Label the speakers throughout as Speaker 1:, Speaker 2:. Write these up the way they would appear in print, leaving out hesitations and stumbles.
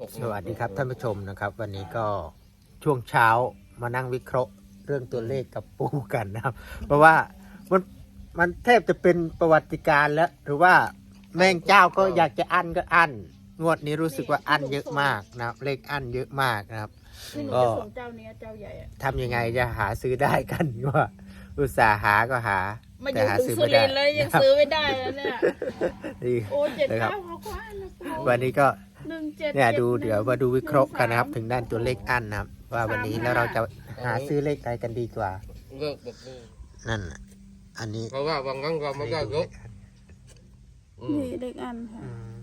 Speaker 1: สวัสดีครับท่านผู้ชมนะครับ วันนี้ก็ช่วงเช้ามานั่งวิเคราะห์เรื่องตัวเลขกับปูกันนะครับ เพราะว่ามันแทบจะเป็นประวัติการณ์แล้ว หรือว่าแมงเจ้าก็อยากจะอั้นก็อั้นงวดนี้รู้สึกว่าอั้นเยอะมากนะครับเลขอั้นเยอะมากนะครับ
Speaker 2: ที่หนู
Speaker 1: ก็
Speaker 2: จะส่งเจ้านี้เจ้าใหญ่อะ
Speaker 1: ทำยังไงจะหาซื้อได้กันว่าอุตส่าห์หาก็หา
Speaker 2: มาอ
Speaker 1: แต่
Speaker 2: ยู่
Speaker 1: หา
Speaker 2: ถึง
Speaker 1: ซื้อ
Speaker 2: สุ
Speaker 1: ไม่ได้
Speaker 2: รินทร์เลยยังซื้อไม่ได้แล้วเนี่ย
Speaker 1: ดี
Speaker 2: โอ้เจ็ด
Speaker 1: นะครับ
Speaker 2: เก้าเขากว่านะปู
Speaker 1: วันนี้ก็
Speaker 2: 17
Speaker 1: เนี่ยดู
Speaker 2: 71
Speaker 1: เดี๋ยวมาดูวิเคราะห์กันนะครับ
Speaker 2: 13
Speaker 1: ถึงด้านตัวเลขอันนะครับ ว่าวันนี้แล้วเราจะหาซื้อเลขอะไรกันดีกว่า
Speaker 3: เลิกแบบนี้
Speaker 1: นั่นน่ะอันนี้
Speaker 3: เพราะว่าบางครั้งเราไม่ได้ยก
Speaker 2: นี่เด็กอันค่ะ
Speaker 1: อืม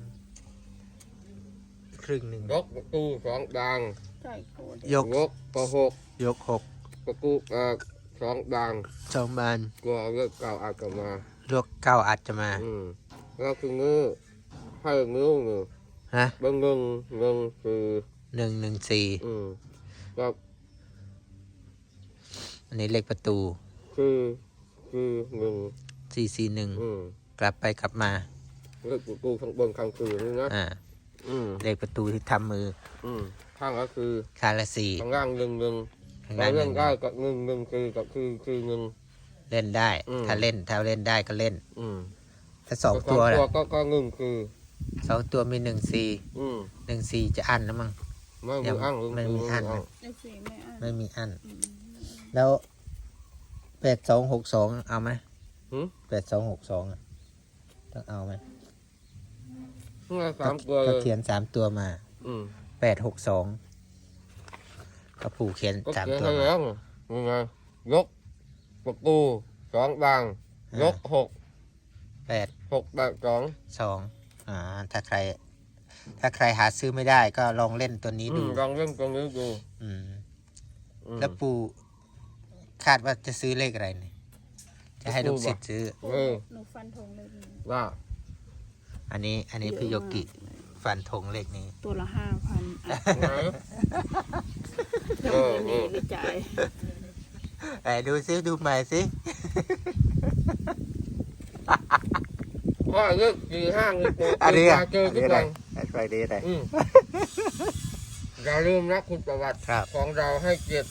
Speaker 1: ครึ่งหนึ่ง
Speaker 3: ยกประตูสองดัง
Speaker 2: ใช่โคตร
Speaker 1: ยก
Speaker 3: ยกประหก
Speaker 1: ยกหก
Speaker 3: ประตูสองดัง
Speaker 1: สองบาน
Speaker 3: กลัวเลิกเก่าอาจจะมา
Speaker 1: ยกเก้าอัดจะมา
Speaker 3: แล้วคือเงื้อให้เงื้อเงื้อ
Speaker 1: ฮะ
Speaker 3: บางเงินคือ
Speaker 1: 114
Speaker 3: ก็
Speaker 1: อันนี้เลขประตู
Speaker 3: คือเงิน
Speaker 1: 441กลับไปกลับมา
Speaker 3: เลิกประตูข้างบนข้างคือนี่นะ
Speaker 1: เลขประตูที่ทำมือ
Speaker 3: ข้างก็คือ
Speaker 1: คาละสี่
Speaker 3: ข้างล่างเงิน
Speaker 1: ข้าง
Speaker 3: เรา
Speaker 1: ล่างห
Speaker 3: เล่
Speaker 1: นึ่
Speaker 3: น
Speaker 1: ง
Speaker 3: ได้กับเงินคือเงิน
Speaker 1: เล่นได้ ถ้าเล่นได้ก็เล่น ถ้าสองตัวล่ะ
Speaker 3: ก็เงินคือ
Speaker 1: สองตัวมี14จะอั้นนะมั้ง
Speaker 3: ไม่มีอั้ง
Speaker 1: ไม่มีอั้นนะ
Speaker 2: ไอ้สี่ไม่อัน
Speaker 1: ไม่มีอัน แล้ว8262เอาไหม8262อ่ะต้องเอาไหม
Speaker 3: สามตัว
Speaker 1: ก็
Speaker 3: เลย
Speaker 1: เขียน3ตัวมา 862ก็ปู่เขียน
Speaker 3: ก็
Speaker 1: 3
Speaker 3: เขียน
Speaker 1: ตัว
Speaker 3: ให้
Speaker 1: มา
Speaker 3: แล้วยังไงยกประตูสองดังยกหก
Speaker 1: 8
Speaker 3: สอง
Speaker 1: 2ถ้าใครหาซื้อไม่ได้ก็ลองเล่นตัวนี้ดู
Speaker 3: ลองเล่นตรงนี้ดู
Speaker 1: แล้วปู่คาดว่าจะซื้อเลขอะไรเนี่ยจะให้ลูกศิษย์ซื้อ
Speaker 2: หนูฟันธงเลยนี่
Speaker 3: ว่า
Speaker 1: อันนี้พี่โยกิฟันธงเลขนี้
Speaker 2: ตัวละ5,000อ่ะ
Speaker 3: ไง
Speaker 2: ยังไม่มีไปจ่าย
Speaker 1: ไหนดูซิดูใหม่สิ
Speaker 3: ว่าเลือก4 5นี่ตัว
Speaker 1: อันนี้อ่ะ
Speaker 3: เจอ
Speaker 1: อัน
Speaker 3: ทุ
Speaker 1: นี้
Speaker 3: ก
Speaker 1: อะไร
Speaker 3: วัน
Speaker 1: อะไรดีอะไร
Speaker 3: อย่าลืมนะคุณประวัติ
Speaker 1: ครับ
Speaker 3: ของเราให้เจ็ด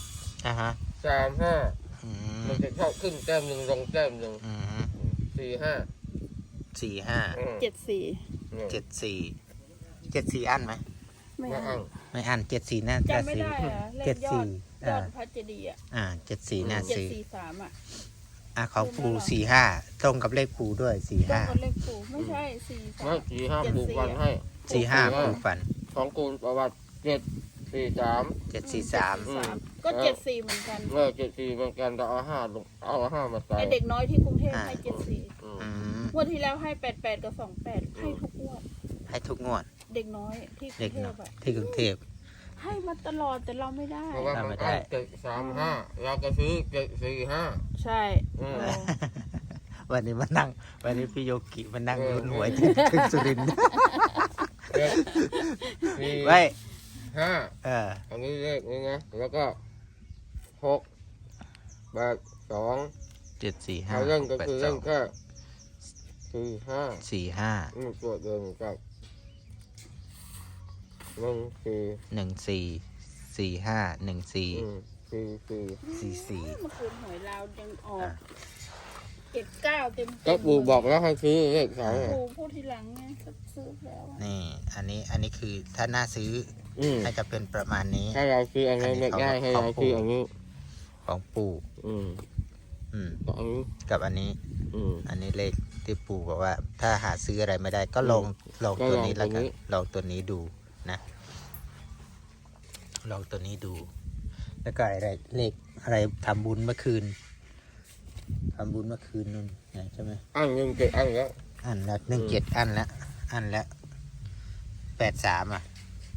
Speaker 1: 35 อืม
Speaker 3: มันจะเข้าขึ้นแต้มหนึ่งลงแต้มหนึ่ง
Speaker 1: อืม
Speaker 3: 4 5
Speaker 1: 45
Speaker 2: 74
Speaker 1: 74อันไหม
Speaker 2: ไม่
Speaker 3: ไม่
Speaker 2: อั
Speaker 3: อั้
Speaker 2: น
Speaker 3: ง
Speaker 1: ไม่อัน74น่าจะ
Speaker 2: จำไม่
Speaker 1: ซื้อ
Speaker 2: ได้อะเลขยอด
Speaker 1: 74
Speaker 2: ยอดพระเจดีย์อ่ะ
Speaker 1: 74น่าซื้อ
Speaker 2: 743อ่ะ
Speaker 1: ของปู่45ตรงกับเลขปู่ด้วย
Speaker 2: ต้องเอาเลขปู่ไม่ใช่
Speaker 3: ไม่
Speaker 2: 43
Speaker 3: 4 5ปลูกวันให้
Speaker 1: 45 45ปู่ฝัน
Speaker 3: ของคุณประวัติ7 4 3
Speaker 1: 743
Speaker 2: ก็74เหมือนกัน
Speaker 3: 7 4เหมือนกันแต่เอา5มาใส่
Speaker 2: ไอเด็กน้อยที่กรุงเทพให้74
Speaker 3: อืม
Speaker 1: อืม
Speaker 2: งวดที่แล้วให้88กับ28ให้ทุกงวด
Speaker 1: ให้ทุกงวด
Speaker 2: เด็กน้อยที่กรุ
Speaker 1: เด็ก
Speaker 2: งเท
Speaker 1: เนาะ
Speaker 2: พอ่ะ
Speaker 1: ที่กรุงเทพ
Speaker 2: ให้มาตลอดแต่เราไม่ได้
Speaker 3: เพราะว่ามัน
Speaker 1: ไม่ได้
Speaker 3: อั้ง7 3 5เราก็ซื้อ7 4 5
Speaker 2: ใช่
Speaker 3: อืม
Speaker 1: วันนี้วันนี้พี่โยกิมานั่ง
Speaker 3: เออ
Speaker 1: ลุ้นหวยที่สุรินทร์
Speaker 3: 7 4
Speaker 1: ไว้
Speaker 3: 5อันนี้เลขนี้นะแล้วก็6 8 2
Speaker 1: 745
Speaker 3: เขาเล่นก็คือเล่นแค่4 5
Speaker 1: 45
Speaker 3: ตัวเดิมกับนั่นคือ
Speaker 1: 14 45
Speaker 3: คือ
Speaker 1: 14
Speaker 2: เมื่อคืนหวยลาวยังออก79เต็ม
Speaker 3: ก็ปู่บอกแล้วให้ซื้อเลขสอง
Speaker 2: ปู่พูดทีหลังไงก็ซื้อแล้วอะ
Speaker 1: นี่อันนี้คือถ้าน่าซื้อน่าจะเป็นประมาณนี้
Speaker 3: ถ้าเราซื้ออันนี้ไม่ได้ให้เราซื้ออันนี้
Speaker 1: ของปู่
Speaker 3: อืม
Speaker 1: อืม
Speaker 3: อันนี้
Speaker 1: กับอันนี้ อันนี้เลขที่ปู่บอกว่า ถ้าหาซื้ออะไรไม่ได้ก็ลองตัวนี้แล้วกันลองตัวนี้ดูนะลองตัวนี้ดู แล้วก็อะไรเลขอะไรทำบุญเมื่อคืนนู่นไงใช่ไหม
Speaker 3: อันยังเก็บอันแล้ว
Speaker 1: อันละ17อันละ83อ่ะ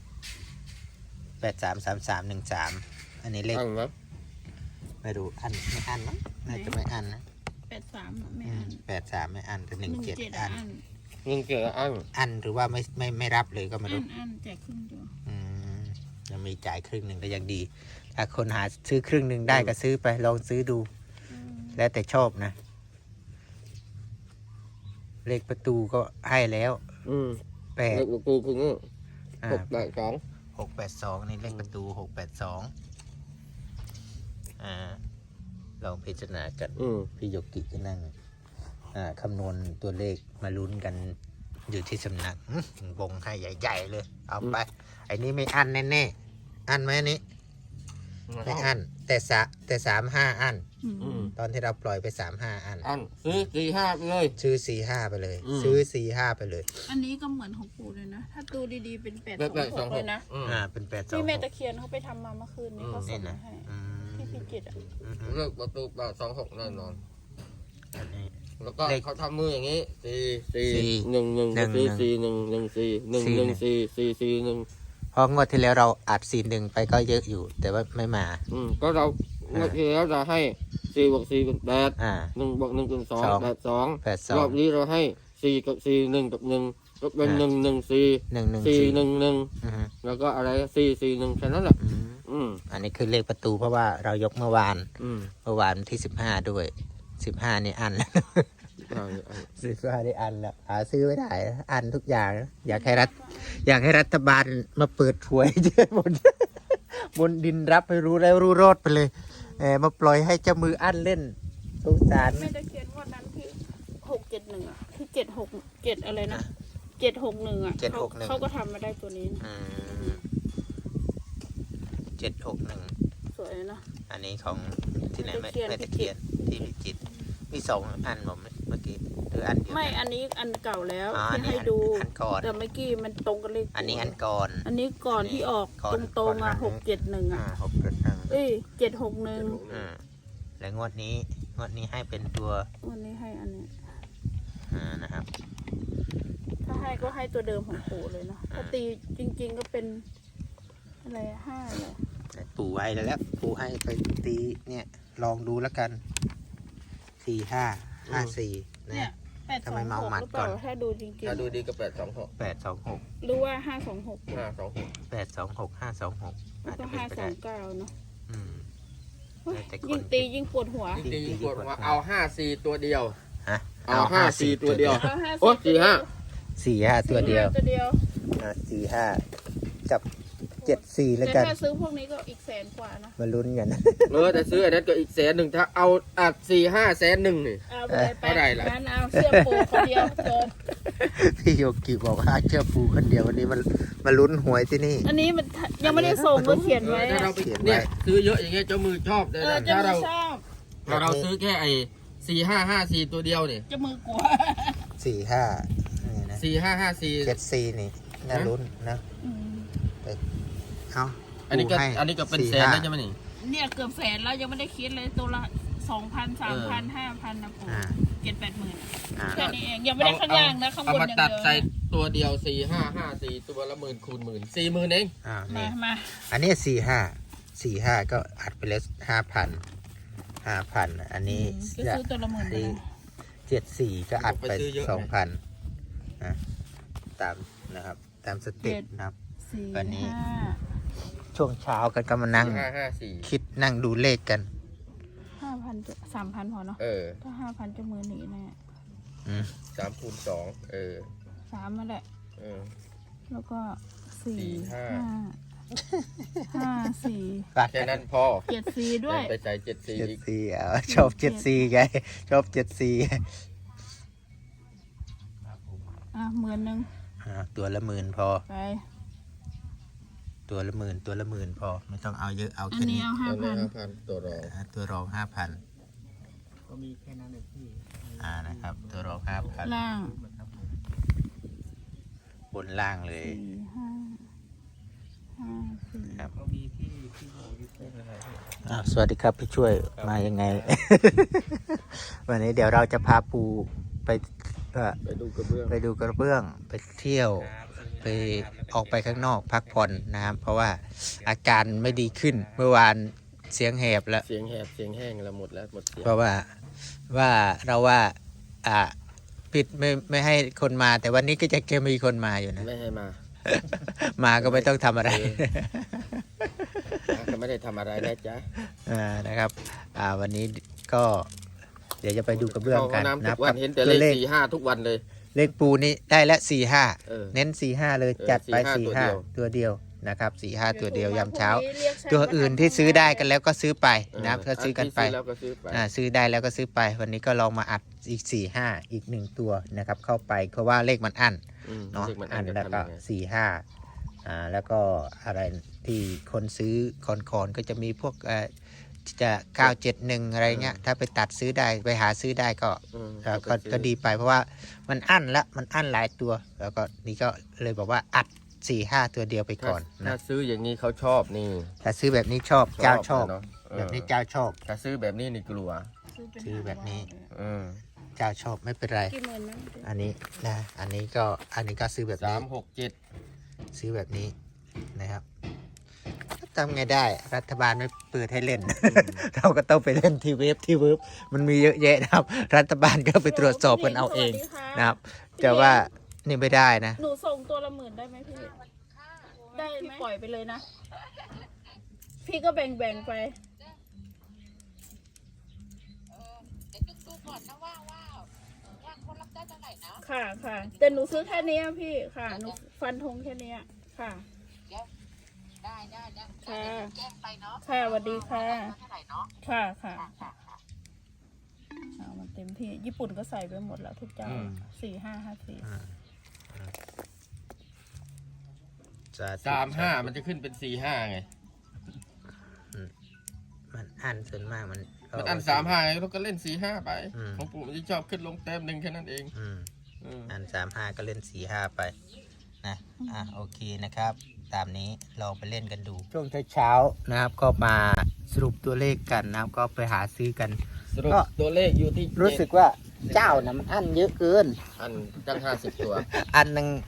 Speaker 1: 833313อันนี้เลข
Speaker 3: อันนะ
Speaker 1: ไม่รู้อันไม่อันมั้งน่าจะไม่อันนะ
Speaker 2: 83อะไม่อัน
Speaker 1: 83ไม่อันแต่17อัน
Speaker 3: ยังเก็บอัน
Speaker 1: อันหรือว่าไม่รับเลยก็ไม่รู้
Speaker 2: อันแจกครึ่งตัว
Speaker 1: ยังมีจ่ายครึ่งหนึ่งก็ยังดี ถ้าคนหาซื้อครึ่งหนึ่งได้ก็ซื้อไปลองซื้อดู แล้วแต่ชอบนะ เลขประตูก็ให้แล้ว
Speaker 3: เลข
Speaker 1: 8
Speaker 3: ประตูคือนี่6 8 2
Speaker 1: 682 นี่เลขประตู 682ลองพิจารณากัน พี่โยกิจะนั่งคำนวณตัวเลขมาลุ้นกันอยู่ที่สำนักวงให้ใหญ่ๆเลย เอาไป ไอ้นี้ไม่อั้นแน่ๆ อั้นไหมอันนี้ ไม่อั้นแต่35 อั้น ตอนที่เราปล่อยไป35 อั้น
Speaker 3: ซื้อ45ไปเลย
Speaker 1: ซื้อ45ไปเลย ซื้อ45ไปเลย
Speaker 2: อันนี้ก็เหมือนของปู่เลยนะ ถ้าดูดีๆเป็น826เลยนะ
Speaker 1: เป็น8
Speaker 2: ที่แม่
Speaker 1: 2
Speaker 2: ตะเคียนเขาไปทำมาเมื่อคืนนี้เขาส่
Speaker 1: นี่
Speaker 2: ง
Speaker 1: นะ
Speaker 2: มาให้ที่พิจิตรอ่ะ
Speaker 3: เลือกประตู826แน่นอน
Speaker 1: อันนี้
Speaker 3: แล้วก็
Speaker 1: เลข
Speaker 3: เขาทำมืออย่างนี้4
Speaker 1: 4
Speaker 3: 1 1
Speaker 1: 1
Speaker 3: 4 4 1 1 4 1 1 4 4 4 1
Speaker 1: เพราะงวดที่แล้วเราอัด41ไปก็เยอะอยู่ แต่ว่าไม่มา
Speaker 3: ก็เราเมื่อที่แล้วจะให้4 บวก 4 เป็น 8 1 บวก 1 เป็น 2 8 2 รอบนี้เราให้4 กับ 4 1 กับ 1 ก็เป็น 1 1 4 4 1 1 แล้วก็อะไร4 4 1แค่นั้นแหละ
Speaker 1: อันนี้คือเลขประตูเพราะว่าเรายกเมื่อวานที่15ด้วย15นี่อันแล้ว15นี่อันแล้วหาซื้อไม่ได้อันทุกอย่างอยากให้รัฐบาลมาเปิดหวยเยอะบนดินรับให้รู้แล้วรู้รอดไปเลยมาปล่อยให้เจ้ามืออันเล่นสงสาร
Speaker 2: แม่ตะเคียนงวดนั้นที่671อ่ะที่767อะไรนะ761อ่ะเขาก็ทำมาได้ตัวนี้นะ
Speaker 1: 761
Speaker 2: สวยนะ
Speaker 1: อันนี้ของที่ไหนไม่ตะเคียนที่พิจิตรมี2 อันผมเมื่อกี้หรืออันเดียว
Speaker 2: ไม่อันนี้อันเก่าแล้วที่ให้ดู
Speaker 1: อันก่อน
Speaker 2: แต่เมื่อกี้มันตรงกับเลข
Speaker 1: อันนี้อันก่อน
Speaker 2: อันนี้ก่อนที่ออกตรงๆอ่ะ671อ่ะ
Speaker 1: 671
Speaker 2: เอ้ย761
Speaker 1: และงวดนี้ให้เป็นตัว
Speaker 2: วันนี้ให้อันนี้
Speaker 1: นะครับ
Speaker 2: ถ้าให้ก็ให้ตัวเดิมของปู่เลยเนาะถ้าตีจริงๆก็เป็นอะไร5เลย
Speaker 1: ปู่ไว้แล้วปู่ให้ไปตีเนี่ยลองดูแล้วกัน4554
Speaker 2: เนี่ย
Speaker 1: นะทำไมเมาหมัด
Speaker 2: หรือเป
Speaker 1: ก่อ
Speaker 2: ล่าน ถ้าดูจริง
Speaker 3: ถ้าดูดีก็826
Speaker 1: 826
Speaker 2: หรือว่า526
Speaker 3: 526
Speaker 1: 826 526
Speaker 2: แล้วก็529เนาะ
Speaker 1: แต่ค
Speaker 2: ยิ่
Speaker 1: น
Speaker 2: งตียิ่งปวดหัว
Speaker 3: จริงๆกดว่าเอา54ตัวเดียว
Speaker 1: ฮะ
Speaker 3: เอา54ตัวเดียว
Speaker 2: โอ้
Speaker 1: 45ตัวเดียว
Speaker 2: ตัวเดียว
Speaker 1: 45กับ74แล้วกัน
Speaker 2: แต่ถ้าซื้อพวกนี้ก็อีก100,000 กว่านะ
Speaker 1: มาลุ้นกัน
Speaker 3: แต่ซื้ออันนั้นก็อีก100,000ถ้าเอา4-5 100,000นี่
Speaker 2: เอาไป
Speaker 3: เท่าไหร่ล่ะ
Speaker 2: งั้นเอาเสื้อปูคนเดียวจบ
Speaker 1: พี่โยกิบอกว่าเชื่อปูคนเดียววันนี้มาลุ้นหวยที่นี่
Speaker 2: อันนี้มันยังไม่ได้ส่งก็เขียนไว้
Speaker 3: ถ้าเราไปเนี่ยซื้อเยอะอย่างเงี้ยเจ้ามือชอบเลย
Speaker 2: จะ
Speaker 3: ถ้า
Speaker 2: มื
Speaker 3: เรา
Speaker 2: อชอบ
Speaker 3: ซื้อแค่ไอ้4554ตัวเดียวเนี่ย
Speaker 2: จะมือกลัว
Speaker 1: 45นี่นะ
Speaker 3: 4554
Speaker 1: 74นี่น่าลุ้นนะเอา
Speaker 3: อันนี้ก็เป็นแสนแล้วใช่ไหมนี่
Speaker 2: เนี่ยเกือบ100,000แล้วยังไม่ได้คิดเลยตัวละ 2,000 3,000 5,000นะปู่7-8 หมื่นแค่นี้เองยังไม่ได้ข้างล่างนะข้างบน
Speaker 3: เอามา
Speaker 2: อย่าง
Speaker 3: ตัด
Speaker 2: เดียว
Speaker 3: ใส่ตัวเดียว4554ตัวละ10,000 คูณ 10,000 40,000เอง
Speaker 1: นี่
Speaker 2: มา
Speaker 1: อันนี้45ก็อัดไปแล้ว5,000 อันนี้
Speaker 2: ก็ซื้อตัวละ10,000เลยนะ
Speaker 1: 74ก็อัดไป 2,000นะตามนะครับตามสเต็ปนะครับ
Speaker 2: 4
Speaker 1: วันนี้
Speaker 2: 5
Speaker 1: ช่วงเช้ากันก็มานั่ง
Speaker 3: 4554
Speaker 1: คิดนั่งดูเลขกัน
Speaker 2: 5,000 3,000 พอเนาะถ้า 5,000 จะมือหนีแน่
Speaker 3: 3 คูณ 2
Speaker 2: 3มาแหละ แล้วก็ 4
Speaker 3: 5
Speaker 2: 5 4
Speaker 3: แค่นั้นพอ
Speaker 2: 74ด้วย
Speaker 3: ไปใส่74อีก
Speaker 1: 74ชอบ74ไงชอบ74
Speaker 2: 10,000
Speaker 1: ตัวละ10,000พอ
Speaker 2: ไป
Speaker 1: ตัวละ10,000พอไม่ต้องเอาเยอะเอา
Speaker 2: อัน
Speaker 1: แค่
Speaker 2: นี้
Speaker 1: นี้
Speaker 2: เอา
Speaker 3: 5,000ตัวรอง
Speaker 1: ตัวรอง 5,000
Speaker 4: ก็มีแค่นั้นเลยพี่
Speaker 1: นะครับตัวรอง 5,000
Speaker 2: ล่าง
Speaker 1: บนล่างเลย
Speaker 2: 4 5 5 4
Speaker 1: ครับ
Speaker 4: ก็มีพี่บอกอยู่แค่นั้นเลย
Speaker 1: สวัสดีครับพี่ช่วยมายังไง วันนี้เดี๋ยวเราจะพาปูไป
Speaker 3: ไปดูกระเบื้อง
Speaker 1: ไปดูกระเบื้องไปเที่ยวไปออกไปข้างนอกพักผ่อนนะครับ เพราะว่าอาการไม่ดีขึ้นเมื่อวานเสียงแหบแล้ว
Speaker 3: เสียงแหบเสียงแห้งแล้วหมดแล้วหมดเสียง
Speaker 1: เพราะว่าปิดไม่ให้คนมา แต่วันนี้ก็จะมีคนมาอยู่นะ
Speaker 3: ไม่ให้มา
Speaker 1: มาก็ไม่ต้องทำอะไร
Speaker 3: ก็ไม่ได้ทำอะไรได้จ้ะ
Speaker 1: นะครับวันนี้ก็เดี๋ยวจะไปดูกระเบื้อง
Speaker 3: เข้า
Speaker 1: กัน
Speaker 3: น้ำ
Speaker 1: นะ
Speaker 3: ทุกวันเห็นแต่เลข45ทุกวันเลย
Speaker 1: เลขปูนี้ได้ละ45
Speaker 3: เออ
Speaker 1: เน้น45เลยจัดไป
Speaker 3: 45
Speaker 1: 45ตัวเดียวนะครับ4-5ตัวเดียวยามเช้า
Speaker 2: พรุ่งนี้เรียกช่าง
Speaker 1: ตัวอื่นที่ซื้อได้กันแล้วก็ซื้อไป
Speaker 3: เออ
Speaker 1: นะครับก็ซื้อกันไป
Speaker 3: ที่แล้วก็ซื้อไป
Speaker 1: ซื้อได้แล้วก็ซื้อไป วันนี้ก็ลองมาอัดอีก4-5อีก1ตัวนะครับเข้าไปเพราะว่าเลขมันอั้น เนาะ
Speaker 3: เลขมัน
Speaker 1: อัน
Speaker 3: จะ
Speaker 1: แล้วก็
Speaker 3: ทำยังไง
Speaker 1: 4-5แล้วก็อะไรที่คนซื้อคอนก็จะมีพวกจะ971อะไรเงี้ยถ้าไปตัดซื้อได้ไปหาซื้อได้ก็
Speaker 3: อืม
Speaker 1: ก็ดีไปเพราะว่ามันอั้นละมันอั้นหลายตัว แล้วก็นี่ก็เลยบอกว่าอัด4-5ตัวเดียวไปก่อน
Speaker 3: ถ้า
Speaker 1: นะ
Speaker 3: ซื้ออย่างนี้เขาชอบนี่
Speaker 1: ถ้าซื้อแบบนี้ชอบเจ้าชอบ
Speaker 3: เนาะ
Speaker 1: แบบนี้เจ้าชอบ
Speaker 3: ถ้าซื้อแบบนี้นี่กลัว
Speaker 1: ซื้อแบบนี้
Speaker 3: เออ
Speaker 1: เจ้าชอบไม่เป็นไร
Speaker 2: กี่หมื่นนะ
Speaker 1: อันนี้นะอันนี้ก็ซื้อแบบนี้
Speaker 3: 367
Speaker 1: ซื้อแบบนี้นะครับทำไงได้รัฐบาลไม่เปิดให้เล่น เราก็ต้องไปเล่นที่เว็บมันมีเยอะแยะนะครับ รัฐบาลก็ไปตรวจสอบกันเอาเองนะครับแต่ว่านี่ไม่ได้นะ
Speaker 2: หนูส่งตัวละ10,000ได้ไหมพี่ ได้ไหมปล่อยไปเลยนะ พี่ก็แบ่งไป ค่ะค่ะแต่หนูซื้อแค่นี้อะพี่ค่ะ หนูฟันธงแค่นี้อะค่ะ ได้ค่ะค่ะสวัสดีค่ะค่ะค่ะเอามันเต็มที่ญี่ปุ่นก็ใส่ไปหมดแล้วทุกเจ้า 4554
Speaker 3: 35มันจะขึ้นเป็น45ไง
Speaker 1: มันอันส่วนมากมัน
Speaker 3: มันอัน35ไงเราก็เล่น45ไป
Speaker 1: อืม
Speaker 3: ของปู่มันจะชอบขึ้นลงแต้มหนึ่งแค่นั้นเอง
Speaker 1: อัน35ก็เล่น4-5ไปนะโอเคนะครับ ตามนี้ลองไปเล่นกันดู ช่วงเช้าๆนะครับก็มาสรุปตัวเลขกันนะครับก็ไปหาซื้อกัน
Speaker 3: สรุป
Speaker 1: ก็
Speaker 3: ตัวเลขอยู่ที่
Speaker 1: รู้สึกว่าเจ้านะมันอันเยอะเกิน
Speaker 3: อันตั้ง50 ตัว
Speaker 1: อันหนึ่ง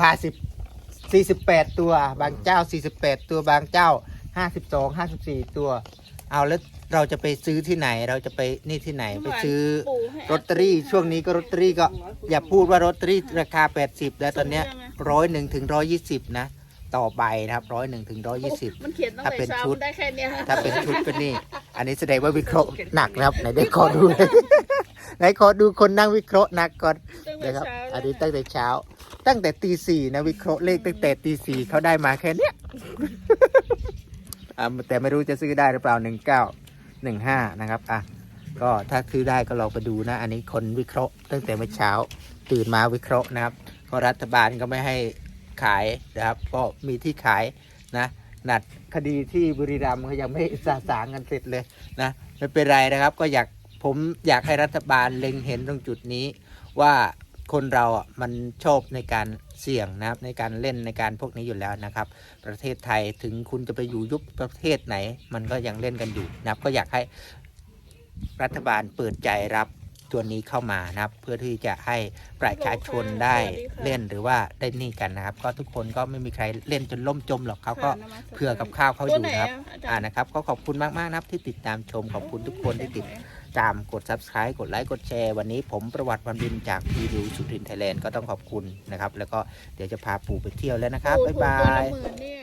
Speaker 1: 48 ตัว บางเจ้า 48 ตัวบางเจ้า 52 54 ตัว เอาแล้วเราจะไปซื้อที่ไหนเราจะไปนี่ที่ไหนไปซื้อลอตเตอรี่ช่วงนี้ก็ลอตเตอรี่ก็อย่าพูดว่าลอตเตอรี่ราคา80แล้วตอนเนี้ย101 ถึง 120นะต่อใบนะครับ101 ถึง 120
Speaker 2: มันเขียนตั้ง
Speaker 1: ถ้า
Speaker 2: แต่
Speaker 1: เป็น
Speaker 2: เช้า
Speaker 1: ชุด
Speaker 2: มันได้แค่เนี้ย
Speaker 1: ถ้าเป็นชุดก็นี่ อันนี้แสดงว่าวิเคราะห์หนักนะครับไหนได้ขอดูเลย ไหนขอดูคนนั่งวิเคราะห์หนักก่อน
Speaker 2: ตั้งแต่
Speaker 1: นะครับ
Speaker 2: เช้า
Speaker 1: อันนี้ตั้งแต่เช้า ตั้งแต่ตี 4นะวิเคราะห์เลขตั้งแต่ตี 4เขาได้มาแค่เนี้ย แต่ไม่รู้จะซื้อได้หรือเปล่า1915นะครับก็ถ้าซื้อได้ก็ลองไปดูนะ อันนี้คนวิเคราะห์ตั้งแต่เมื่อเช้า ตื่นมาวิเคราะห์นะครับเพราะรัฐบาลก็ไม่ให้ขายนะครับก็มีที่ขายนะนัดคดีที่บุรีรัมย์เขายังไม่สาสางกันเสร็จเลยนะไม่เป็นไรนะครับก็ผมอยากให้รัฐบาลเล็งเห็นตรงจุดนี้ว่าคนเรามันชอบในการเสี่ยงนะครับในการเล่นในการพวกนี้อยู่แล้วนะครับประเทศไทยถึงคุณจะไปอยู่ยุบประเทศไหน มันก็ยังเล่นกันอยู่นะครับก็อยากให้รัฐบาลเปิดใจรับตัวนี้เข้ามานะครับเพื่อที่จะให้ประชาชนได้เล่นหรือว่าได้นี่กันนะครับก็ทุกคนก็ไม่มีใครเล่นจนล่มจมหรอกเขาก็เผื่อกับข้าวเขาอยู่นะครับนะครับก็ขอบคุณมากๆนะครับที่ติดตามชมขอบคุณทุกคนที่ติดตามกด Subscribe กดไลค์กดแชร์วันนี้ผมประวัติวันบินจากพีดิวสุรินทร์ไทยแลนด์ก็ต้องขอบคุณนะครับแล้วก็เดี๋ยวจะพาปู่ไปเที่ยวแล้วนะครับบ๊ายบาย
Speaker 2: ถูกตัวละ10,000เนี่ย